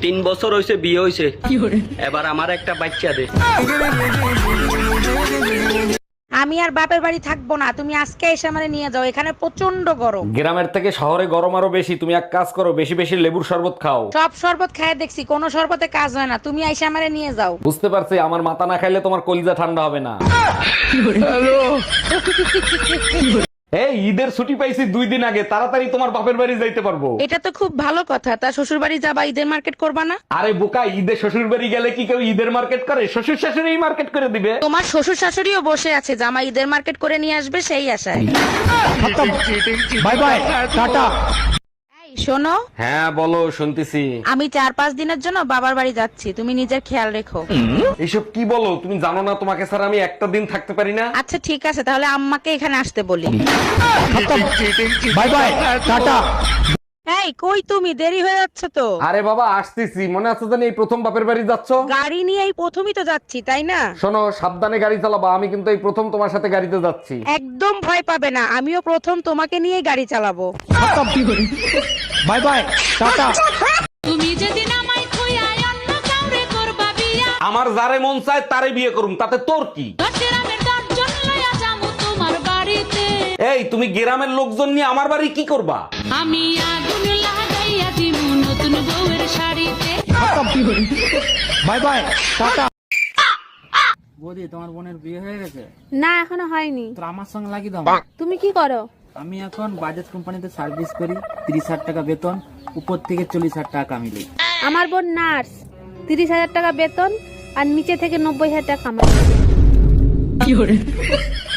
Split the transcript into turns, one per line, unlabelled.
3 বছর হয়েছে বিয়ে হয়েছে, এবার আমার একটা বাচ্চা দে।
আমি আর বাপের বাড়ি থাকবো না, তুমি আজকে এসে আমারে নিয়ে যাও, এখানে প্রচন্ড গরম।
গ্রামের থেকে শহরে গরম আরো বেশি। তুমি এক কাজ করো, বেশি বেশি লেবুর শরবত খাও।
সব শরবত খায় দেখছি, কোনো শরবতে কাজ হয় না, তুমি এসে আমারে নিয়ে যাও।
বুঝতে পারছি, আমার মাথা না খাইলে তোমার কলিজা ঠান্ডা হবে না। এই ঈদের ছুটি পাইছি 2 দিন আগে, তাড়াতাড়ি তোমার বাপের বাড়ি যাইতে পারবো।
এটা তো খুব ভালো কথা, তা শ্বশুর বাড়ি যাবা, ঈদের মার্কেট করবা না?
আরে বোকা, ঈদে শ্বশুর বাড়ি গেলে কি কেউ ঈদের মার্কেট করে? শ্বশুর শাশুড়ি মার্কেট করে দিবে।
তোমার শ্বশুর শাশুড়িও বসে আছে, জামা ঈদের মার্কেট করে নিয়ে আসবে সেই আশায়।
Bye bye, tata.
এই শোনো,
হ্যাঁ বলো, শুনতেছি।
আমি 4-5 দিনের জন্য বাবার বাড়ি যাচ্ছি, তুমি নিজের খেয়াল রেখো।
এইসব কি বলো? তুমি জানো না তোমাকে ছাড়া আমি একটা দিন থাকতে পারি না।
আচ্ছা ঠিক আছে, তাহলে আম্মাকে এখানে আসতে বলি।
Bye bye, tata.
এই কই তুমি, দেরি হয়ে যাচ্ছে তো।
আরে বাবা আসতেছি, মনে আছে জানি এই প্রথম বাপের বাড়ি যাচ্ছ।
গাড়ি নিয়ে এই প্রথমই তো যাচ্ছি, তাই না?
শোনো, সাবধানে গাড়ি চালাবা, আমি কিন্তু এই প্রথম তোমার সাথে গাড়িতে যাচ্ছি।
একদম ভয় পাবে না, আমিও প্রথম তোমাকে নিয়েই গাড়ি চালাবো।
Bye bye, tata.
তুমি যেদিন আমায় খুইয়া অন্য কাউরে করবা বিয়া,
আমার যারে মন চায় তারে বিয়ে করুম, তাতে তোর কি?
দশেরামের দশজন লইয়া যামু তোমার বাড়িতে।
এই তুমি গ্রামের লোকজন নিয়ে আমার বাড়ি কি করবা?
আমি আগুন লাগাইয়া দিমু নতুন বউয়ের শাড়িতে।
Bye bye, tata.
বৌদি, তোমার বোনের বিয়ে হয়ে গেছে?
না এখনো হয়নি।
তো আমার সঙ্গে লাগিয়ে দাও।
তুমি কি করো?
আমি এখন বাজাজ কোম্পানিতে সার্ভিস করি, 30,000 টাকা বেতন, উপর থেকে 40,000 টাকা কামিলি।
আমার বোন নার্স, 30,000 টাকা বেতন আর নিচে থেকে 90,000 টাকা কামাই।